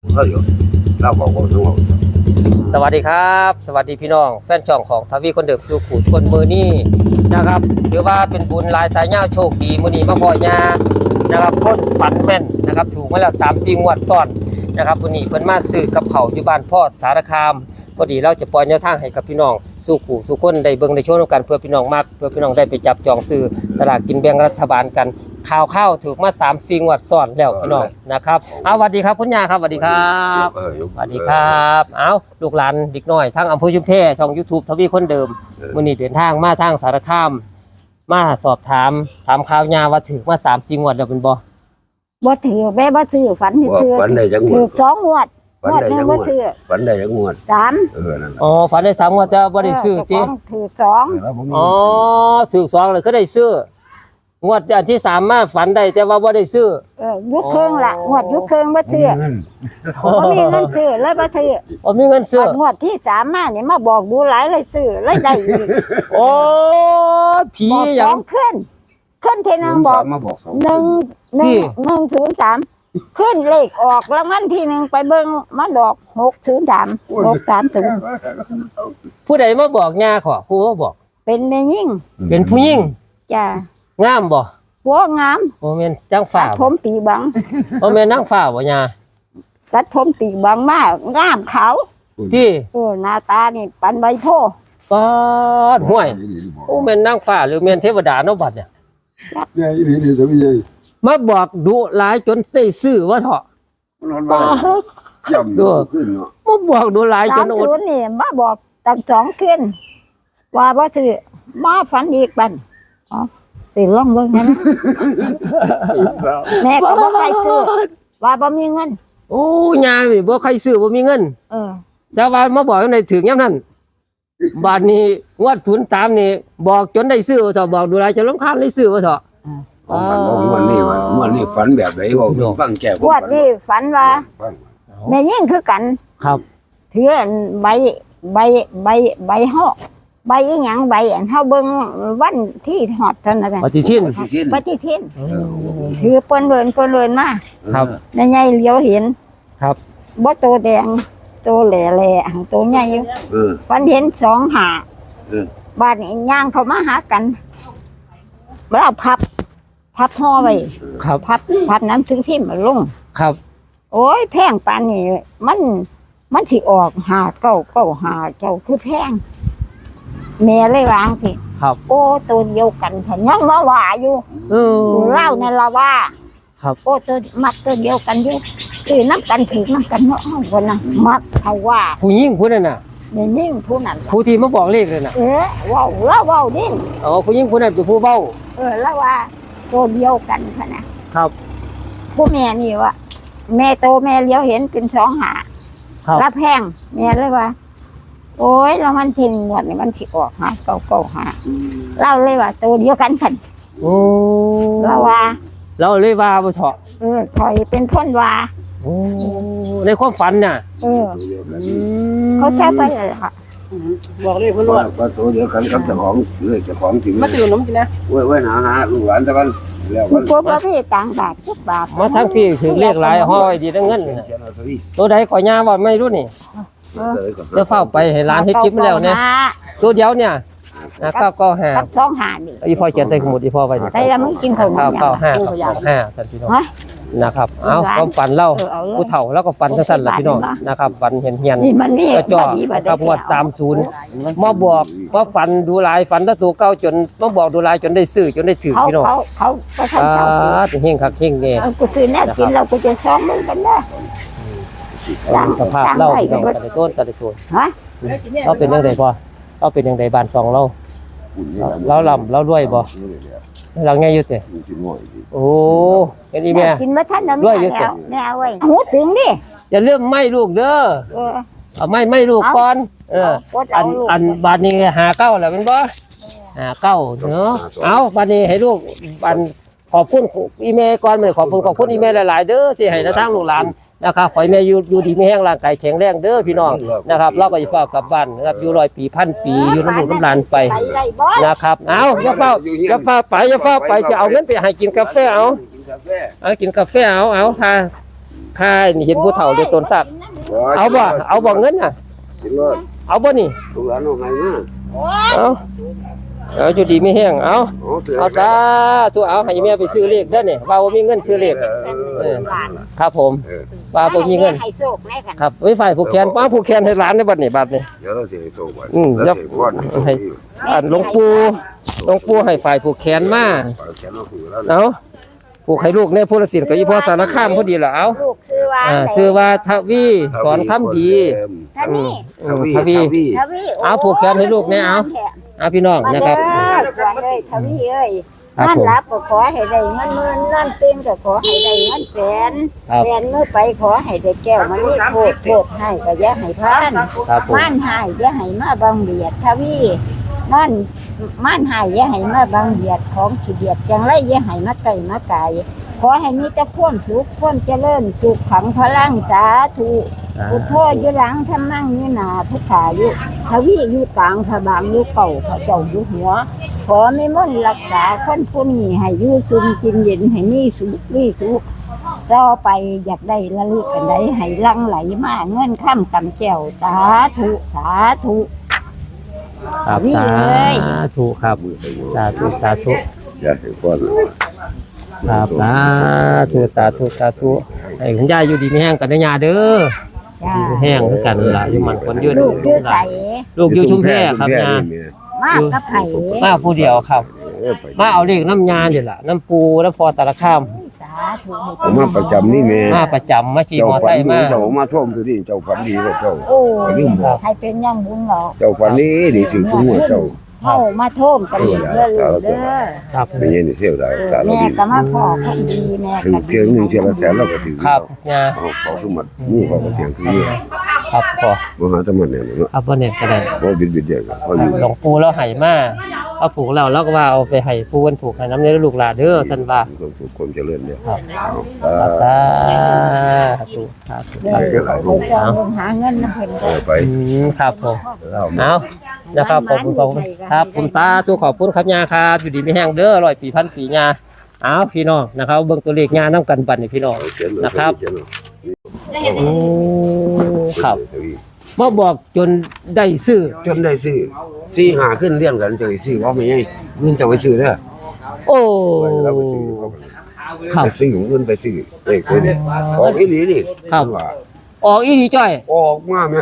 เขาอยู่เราบอกว่าทั้งหมดสวัสดีครับสวัสดีพี่น้องแฟนช่องของทวีคนเดิมสู่ขู่คนมือนี่นะครับถือว่าเป็นบุญลายสายเงาโชคดีมือนี้มาพ่อยานะครับคนฝันแม่นนะครับถูกมาแล้ว3-4 งวดซ้อนนะครับมือนี้เพิ่นมาซื้อกับเขาอยู่บ้านพ่อสารคามพอดีเราจะปล่อยแนวทางให้กับพี่น้องสู่ขู่สู่คนได้เบิ่งได้โชว์กันเพื่อพี่น้องมากเพื่อพี่น้องได้ไปจับจองซื้อสลากกินแบ่งรัฐบาลกันข่าวถูกมา3-4 งวดซ้อนแล้วพี่น้องนะครับเอาสวัสดีครับคุณย่าครับสวัสดีครับสวัสดีครับเอาลูกหลานเด็กน้อยทั้งอำเภอชุมแพช่อง YouTube ทวีคนเดิมมื้อนี้เดินทางมาทางสารคามมาสอบถามข่าวยาว่าถูกมา3-4 งวดแล้วเป็นบ่ถือแม่บ่ถือฝันถือฝันได้จังหวถือด 2 งวดนึงบ่ถือฝันได้จังหวด 3 นั่นแหละอ๋อฝันได้3 งวดแต่บ่ได้ซื้อติถืออ๋อซื้อ2เลยก็ได้ซื้องวดอันที่3มาฝันได้แต่ว่าบ่ได้ซื้อ 2ยุคครึ่งละงวดยุคครึ่งบ่ถือบ่มีเงินซื้อเลยบ่ถือบ่มีเงินซื้องวดที่3มานี่มาบอกดูหลายเลยซื้อเลยได้อีกโอ้ผีบอกหยังขึ้นทีนึงบอกมาบอกสอง 103ขึ้นเลขออกแล้วมันทีนึงไปเบิ่งมาดอก630 ผู้ใดมาบอกย่าขอผู้มาบอกเป็นแม่ยิ่งเป็นผู้หญิงจ้ะงามบ่หัวงามบ่แม่นจังตัฟ้าดผมปีบังบ่แม่นนางฟ้าบ่ย่าตัดผมปีบังมากงามขาวที่หน้าตานี่ปันใบโพปาดห้วยโอ้แม่นนางฟ้าหรือแม่นเทวดาเนาะบัดเนี่ยเนี่ยนี่จะไม่ใช่มาบอกดุหลายจนได้ซื้อว่าเถาะนอนบ้านย่ำขึ้นเนาะมาบอกดุหลายจนอด 30นี่มาบอกตั้ง2ขึ้นว่าบ่ถือมาฝันอีกบันอ๋อสิลองเบิ่งนะแม่ก็บ่ใครซื้อว่าบ่มีเงินโอ้ยานี่บ่ใครซื้อบ่มีเงิน แต่ว่ามาบอกจังได๋ถึงยามนั้นบาดนี้งวด03นี่บอกจนได้ซื้อว่าเถาะบอกดุหลายจนรำคาญเลยซื้อว่าเถาะวันนี้ฝันแบบไหนบอกฟังแก่งวดนี้ฝันว่าแม่ยิ่งคือกันครับถือใบห่อใบอีหยังใบอันเฮาเบิ่งวันที่ฮอดเท่านั้นปฏิทินปฏิทินถือเปิ้นเวินมาครับในใหญ่เหลียวเห็นครับบ่โตแดงโตแหล่ๆหังโตใหญ่อยู่ฝันเห็น2 หาบ้านนี้ย่างเข้ามาหากันเราพับห่อไว้ครับพับหนังสือพิมพ์มาลงครับโอ้ยแพงปานนี้มันสิออก5 9 9 5เจ้าคือแพงแม่เลยวางสิครับโอ้ตัวเดียวกันเห็นยังว่าอยู่ เล่านั่นละว่าครับโอ้ตัวมักตัวเดียวกันอยู่ซื้อน้ำกันถือน้ำกันเนาะวันน่ะมักเขาว่าผู้หญิงผู้นั้นน่ะเนี่ยยิ่งผู้นั้นผู้ที่มาบอกเลขเลยน่ะว้าวเล่าดิอ๋อผู้หญิงผู้นั้นเป็นผู้เว้าเล่าว่าตัวเดียวกันค่ะนะครับ ผู้แม่นี่ว่าแม่โตแม่เลี้ยวเห็นเป็น2 หาครับรับแพงแม่เลยว่า โอ้ยแล้วมันทิ้งหมดนี่มันสิออก5 9 9 5เล่าเลยว่าตัวเดียวกันค่ะโอ้เล่าว่าเราเลยว่าบ่เถาะคอยเป็นคนว่าโอ้ในความฝันน่ะเขาใช้ไปเลยค่ะบอกเลยเพื่อนว่าก็ตัวเดียวกันกับเจ้าของเลยเจ้าของจริงมาตื่นน้ำกินนะไว้หาลูกหลานตะกันแล้วกันพวกเราพี่ต่างบาททุกบาทมาทั้งพี่ถือเลขหลายห้อยดีทั้งเงินน่ะตัวใดก่อย่าว่าไม่รู้นี่จะเฝ้าไปให้ร้านให้คลิปมาแล้วเนี่ยตัวเดียวเนี่ยก็5 กับ2 หานี่อีพ่อเขียนใส่สมุดอีพ่อไว้นี่ได้แล้วมึงกินข้าว 5ท่านพี่น้องนะครับเอาความฝันเล่าผู้เฒ่าแล้วก็ฝันสั้นๆล่ะพี่น้องนะครับฝันเฮียนนี่มันนี่กระจอกกับงวด30มาบอกว่าฝันดูหลายฝันถ้าตัวเก่าจนมาบอกดูหลายจนได้ซื้อจนได้ถือพี่น้องเขาก็ทำเขาเฮงคักเฮงแน่กูซื้อแน่กินเราก็จะซ้อมมึงกันนะสภาพเล่าพี่น้องกันในต้นกันในต้นฮะเราเป็นยังไงพ่อเราเป็นยังไงบ้านซองเราเราลำเราด้วยบ่เราไงอยู่เตะโอ้เห็นอีแม่กินมาท่านน้ำแล้วแน่เว้ยหูถึงดิอย่าเลื่อมไม่ลูกเด้อเอาไม่ลูกก่อนอันบาทนี้59แล้วเป็นบ่59เนาะเอาบาทนี้ให้ลูกบันขอบคุณอีเมลก่อนขอบคุณอีเมลหลายๆเด้อที่ให้ทางลูกหลานนะครับขอให้แม่อยู่ดีมีแห้งร่างกายแข็งแรงเด้อพี่น้องนะครับเราก็จะฝากกลับบ้านนะครับอยู่100 ปี1,000 ปีอยู่น้ำลูกน้ำหลานไปนะครับเอาอย่าเฝ้าไปจะเอาเงินไปให้กินกาแฟเอากินกาแฟเอาค่ะค่านี่เห็นผู้เฒ่าเรียกตนสัตว์เอาบ่เงินน่ะกินรถเอาบ่นี่ลูกหลานเอาไงมาเอาจุดดีไม่แห้งเอาเอาซะตัวเอาให้แม่ไปซื้อเลขได้เนี่ยว่าบ่มีเงินซื้อเลขครับผมว่าบ่มีเงินให้โชคแน่กันครับไว้ฝ่ายผูกแขนป้าผูกแขนให้หลานในบัดนี้บัดนี้เดี๋ยวเราสิให้โชคไว้ยับให้หลวงปู่ให้ฝ่ายผูกแขนมาแขนเราคือแล้วเอาผูกให้ลูกในพุทธศิลป์กับอีพ่อสารคามพอดีล่ะเอาลูกชื่อว่าชื่อว่าทวีสอนคำดีท่านนี่ทวีทวีเอาผูกแขนให้ลูกเนี่ยเอาพี่น้องนะครับมาเลยทวีเอ้ยครับนั่นผมรับก็ขอให้ได้เงินหมื่นนั่นเต็มก็ขอให้ได้เงินแสนครับแสนเมื่อไปขอให้ได้แก้วมันนี่โทษให้ก็อย่าให้พลาดครับผมม่านหายอย่าให้มาบังเบียดทวีนั่นม่านหายอย่าให้มาบังเบียดของขี้เดียดจังไรอย่าให้มาไก่มาไก่ขอให้มีแต่ความสุขความเจริญสุขขังพลังสาธุพุทโธอยู่หลังทำนั่งอยู่หน้าพุทธาอยู่ทวีอยู่กลางพระบางอยู่เก่าพระเจ้าอยู่หัว ขอไม่มนต์รักษาคนผู้นี้ให้อยู่ซุมกินเย็นให้มีสุขมีสุขต่อไปอยากได้ละลึกกันได้ให้ลังไหลมาเงินข้ามกำแก้วสาธุสาธุครับนี่สาเลยธุครับสาธุสาธุอย่าให้ก่อนครับสาธุสาธุสาธุให้คุณยายอยู่ดีไม่แห้งกันนะยาเด้อจ้าอยู่แห้งคือกันล่ะอยู่มันคนยืนลูกอยู่ใสลูกอยู่ชุมแพครับยามากกับไผ่มาผู้เดียวครับ มาเอาเลขน้ำยาเดี๋ยวล่ะน้ำปูน้ำพอสารคามสาธุให้ผมมาประจำนี่แม่มาประจำมาขี่เจ้ามอฝัไซนค์ดีมาเจ้ามาท่วมตัวนี้เจ้าฝันดีว่าเจ้าโอ้ลืมบอกให้เป็นย่างบุญเหรอเจ้าฝันนี้ดีสิคุณหัวเจ้าเข้ามาโทมกันอีกเด้อลูกเด้อครับเป็นยังนี่เที่ยวได้สารแม่ดีก็มาขอคนดีแม่ถึงก็เพียงหนึ่งเที่ยวละแสนเราก็ถือครับยาเขาคือหมัดนี่เขาก็เสียงคือนี่ครับพอมหาธรรมเนี่ยเนาะครับวันนี้ก็ได้เพราะบิดเดียวกันเขาอยู่หลวงปู่เราให้มาเอาผูกแล้วเราก็ว่าเอาไปให้ผู้คนผูกให้น้ำในลูกหลานเด้อท่านว่าความสุขความเจริญเนี่ยครับอ่าสาธุสาธุเด้อเขาจะลงหาเงินน้ำเพิ่นเอาไปครับผมเราเอานะครับขอบคุณครับผมตาตัวขอบคุณครับยาครับอยู่ดีไม่แห้งเด้อ100 ปีพันปียาเอาพี่น้องนะครับเบิ่งตัวเลขยาน้ำกันบัดนี่พี่น้องนะครับครับมาบอกจนได้ซื้อจนได้ซื้อสี่หาขึ้นเรียงกันจะไปซื้อว่าไม่ใช่เงินจะไปซื้อเด้อโอ้เราไปซื้อเขาครับไปซื้อเงินไปซื้อเด็กคนออกอีหลีนี่ครับออกอีนี่จ้อยออกมาแม่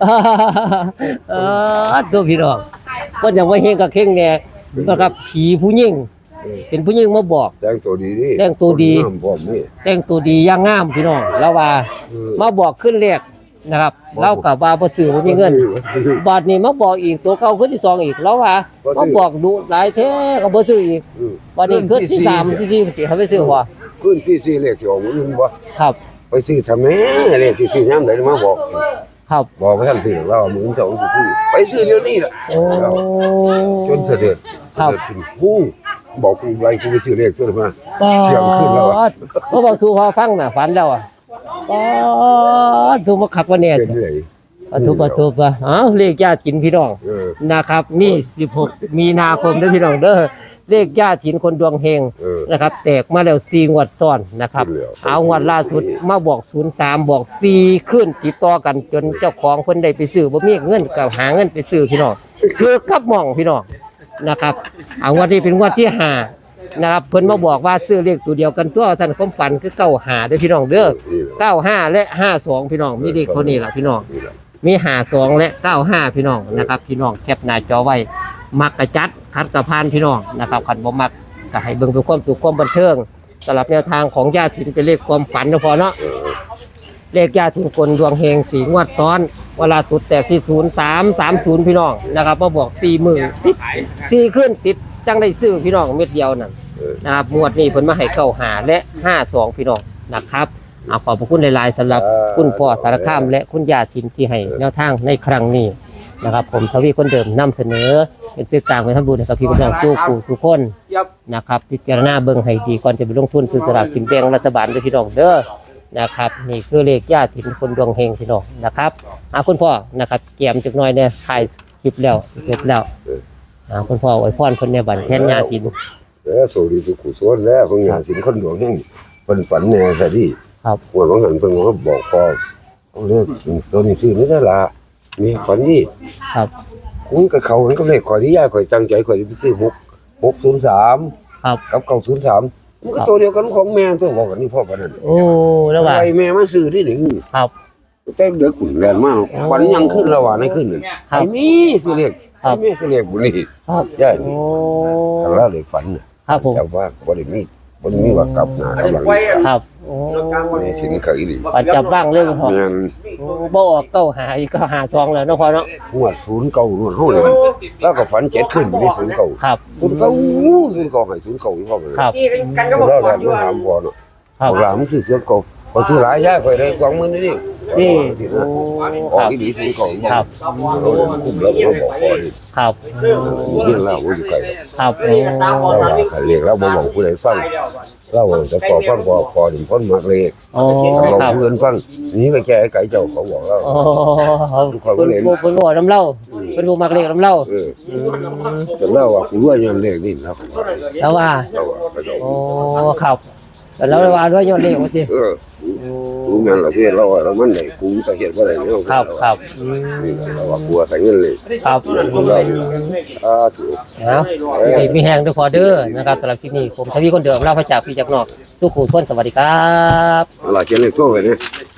ตัวพี่น้องก็ยังว่าเฮงกับเข่งแน่นะครับผีผู้หญิงเป็นผู้หญิงมาบอกแต่งตัวดีดิแต่งตัวดีพร้อมนี่แต่งตัวดีย่างงามพี่น้องแล้วว่ามาบอกขึ้นเลขนะครับเล่ากับว่าบ่ซื้อบ่มีเงินบาทนี้มาบอกอีกตัวเก่าขึ้นที่2อีกแล้วว่ามาบอกดูหลายแท้ก็บ่ซื้ออีกบาทนี้ขึ้นที่3ที่4สิเขาไปซื้อบ่ขึ้นที่4เลขสิออกมื้ออื่นบ่ครับไปซื้อทำแม่เลขที่ซื้อยามใดมาบอกครับบอกไปท่านซื้อเรามื้อ2สิซื้อไปซื้อเดี๋ยวนี้ล่ะโอ้จนเสด็จครับขึ้นฮู้บอกกูไรกูไปซื้อเลขตัวมา เสียงขึ้นแล้วอะก็บอกสู่พอฟังน่ะฝันแล้วอ่ะถูกมาขับว่าเนี่ยเป็นเลยถูกป่ะอ้าวเลขญาติกินพี่น้องเออนะครับนี่16 มีนาคมเด้อพี่น้องเด้อเลขญาติกินคนดวงเฮงเออนะครับแตกมาแล้ว4งวดซ้อนนะครับขึ้นแล้วเอางวดล่าสุดมาบอก03บอก4ขึ้นติดต่อกันจนเจ้าของเพิ่นได้ไปซื้อบ่มีเงินก็หาเงินไปซื้อพี่น้องคือกับหม่องพี่น้องนะครับเอางวดนี้เป็นงวดที่5นะครับเพิ่นมาบอกว่าซื้อเลขตัวเดียวกันตัวสั่นความฝันคือ95เด้อพี่น้องเด้อนี่แหละ 95และ52พี่น้องมีเลขคนนี้ล่ะพี่น้องนี่แหละมี52และ95พี่น้องนะครับพี่น้องแคปหน้าจอไว้มักกระจัดคัดกระพานพี่น้องนะครับคันบ่มักก็ให้เบิ่งเป็นความสุขความบันเทิงสำหรับแนวทางของญาติถิ่นเป็นเลขความฝันนะพอเนาะเลขญาติถิ่นคนดวงเฮง4งวดซ้อนเวลาสุดแตกที่0330พี่น้องนะครับมาบอก40,000ติด4ขึ้นติดจังได้ซื้อพี่น้องเม็ดเดียวนั่นนะครับงวดนี้เพิ่นมาให้เข้า5และ52พี่น้องนะครับขอบพระคุณหลายๆสำหรับคุณพ่อสารคามและคุณยาชินที่ให้แนวทางในครั้งนี้นะครับผมทวีคนเดิมนำเสนอเป็นสื่อกลางไปทำบุญให้กับพี่น้องทุกคนนะครับพิจารณาเบิ่งให้ดีก่อนจะไปลงทุนซื้อสลากกินแบ่งรัฐบาลด้วยพี่น้องเด้อนะครับนี่คือเลขญาติถิ่นคนดวงเฮงพี่น้องนะครับคุณพ่อนะครับเกี่ยมจักหน่อยเนี่ยถ่ายคลิปแล้วเสร็จแล้วคุณพ่ออวยพรคนในบ้านแทนญาติถิ่นแล้วโสดีสุขุสวนแล้วของงานสินคนดวงแห่งเพิ่นฝันแน่แต่ที่ครับหัวของหันเพิ่นก็บอกพ่อเอาเลขตัวนี้ซื้อนี่ได้ละมีฝันนี่ครับคุยกับเขามันก็เลขข่อยที่ย่าข่อยตั้งใจข่อยไปซื้อ603 ครับกับ903มันก็ตัวเดียวกันของแม่ตัวบอกกันนี่พ่อปานนั้นโอ้แล้วว่าไอ้แม่มาซื้อนี่นี่ครับแต่เด็กแรงมากวันยังขึ้นแล้วว่าในขึ้นนั่นครับไอ้มีซื้อเลขครับไอ้แม่ซื้อเลขบุนี่ครับย่าโอ้คันละเลขฝันน่ะครับผมแต่ว่าบ่ได้มีว่ากลับหน้ากลับหลังครับโอ้แม่สินเคยดิปัจจับบ้างเลยพ่อแม่นโอ้บ่ออกเก้าหาอีกก็หาซองแล้วเนาะพ่อเนาะงวด09นวดเฮาเลยแล้วก็ฝัน7ขึ้นไปที่09 ครับ 09ให้09พ่อครับกันก็บอกเราก่แล้อนอยู่ถามบ่เนาะครับหลานซื้อเสือ9พอซื้อหลายย่าข่อยได้20,000นี่นี่ที่โอ้นะอคอกรับอีหลี09 ครับเราคุ้มแล้วบ่บอกพอดิครับเรื่องเล่าบ่อยู่ไกลครับโอ้เราว่าเขาเรียกเราบ่บอกผู้ใดฟังเราจะขอฟังพอถึงพ้นมากเลขโอ้เราครับเพื่อนฟังหนี่ไปแก้ไก่เจ้าเขาบอกเราโอ้เพิ่นบ่น้ำเล่าเพิ่นบ่มักเลขน้ำเล่าเออแต่เราว่ากูรวยย้อนเลขนี่เราก็ว่าแล้วว่าเราว่าเขาเจ้าโอ้ครับแต่แล้วว่าด้วยยอดเลขว่าสิเออรู้งานเราเฮ็ดเราว่าเรามันได้กูก็เฮ็ดบ่ได้แล้วครับครับนี่เราว่ากลัวใส่เงินเลยครับนั่นของเราอยู่ถูกนะมีแหงด้วยพอเด้อนะครับสำหรับคลิปนี้ผมทวีคนเดิมเล่าพระจากพี่จากนอกสู้ขู่ทวนสวัสดีครับเอาล่ะเขียนเลขโซ่ไว้เนี่ย